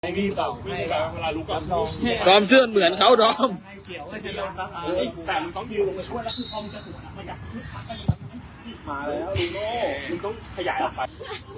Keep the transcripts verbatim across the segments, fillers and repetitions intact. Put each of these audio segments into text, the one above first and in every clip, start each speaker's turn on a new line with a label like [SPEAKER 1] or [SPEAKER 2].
[SPEAKER 1] ให้พี่เป่าให้เวลาลุกกับน้อง
[SPEAKER 2] ความเชื่อเหมือนเขาดอม
[SPEAKER 1] เกี่ยวว่าจะโดนซัดแต่มึงต้องยืนลงมาช่วยแล้วคือพอมึงจะสวนมันจะมาแล้วลูโน่มึงต้องขยายออกไป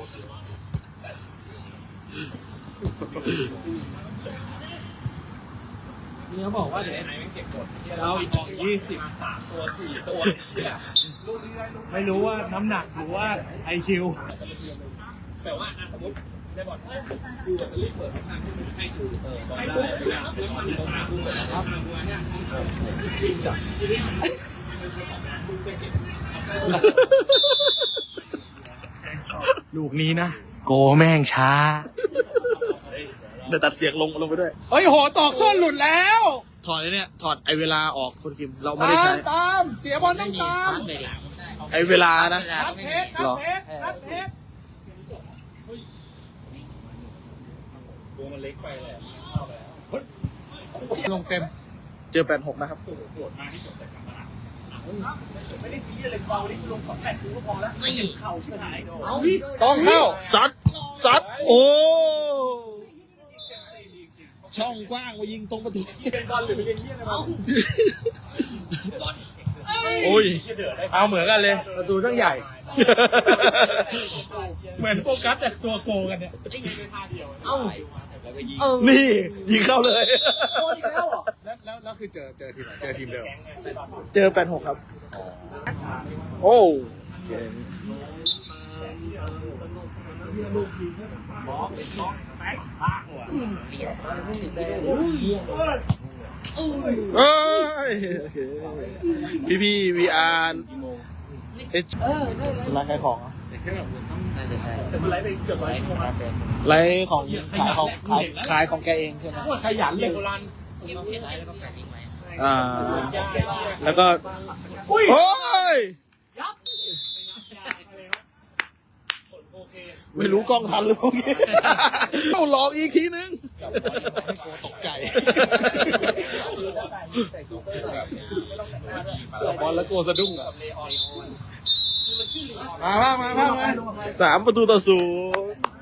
[SPEAKER 1] นี่เขาบอกว่าเดี๋ยวไหนมันเก็บกดเราอีกออกยี่สิบสามตัวสี่ตัวไม่รู้ว่าน้ำหนักหรือว่าไอคิวแต่ว่าสมมติได้บอลดูแบบรีบเปิดทางให้ดูเออให้ดูแล้วมันตรงหน้าดูครับจริงจังลูกนี้นะโกแม่งช้า
[SPEAKER 2] เดี๋ยวตัดเสียงลงลงไปด้วย
[SPEAKER 1] เฮ้ยโหตอกส้นหลุดแล้ว
[SPEAKER 2] ถอดไอ้เนี่ยถอดไอเวลาออกคนคิมเราไม่ได้ใช้
[SPEAKER 1] ตามเสียบอลต้องตาม
[SPEAKER 2] ไอเวลานะ
[SPEAKER 1] นัดเทสนัดเทสนัดเทสตัวมันเล็กไปเลยลงเต็ม
[SPEAKER 2] เจอแปดหกนะครับ
[SPEAKER 1] ไม่ได้ซีเรียสเลยเบาดิลงสองแปดกูก็พอแล้วไม่เข่าชิบหายเอา
[SPEAKER 2] ต้องเข้าซัดซัดโอ้ช่องกว้างมายิงตรงประตู
[SPEAKER 1] เป็นบอลหรือเป็นเยี่ยมเอา
[SPEAKER 2] โอ้ย
[SPEAKER 1] เอาเหมือนกันเลยประตูต้องใหญ่เหมือนโฟกัสแต่ตัวโกกันเนี่ยเอ้า
[SPEAKER 2] นี่ยิงเข้าเลย
[SPEAKER 1] โกอีกแล้วเหรอแล้วแล้วแล้วคือเจอเจอทีมเจอทีมเดิม
[SPEAKER 2] เจอแปดหกครับโอ้เอ้ยพี่พี่วีอาร์เอชร้านขายของ
[SPEAKER 1] น่าจะใช่แต่มันไลฟ์ไปเกือบร้อยชั่วโมง
[SPEAKER 2] ไลฟ์ของขายของขายขายของแกเองใช่ไหม
[SPEAKER 1] ขยันเลยโบราณ
[SPEAKER 2] อ่าแล้วก็โอ้ยไม่รู้กล้องทันหรือเปล่าต้องลองอีกทีนึงตกใจบอลแล้วโกสะดุ้งอ่ะ
[SPEAKER 1] มามามามา
[SPEAKER 2] สามประตูต่อศูนย์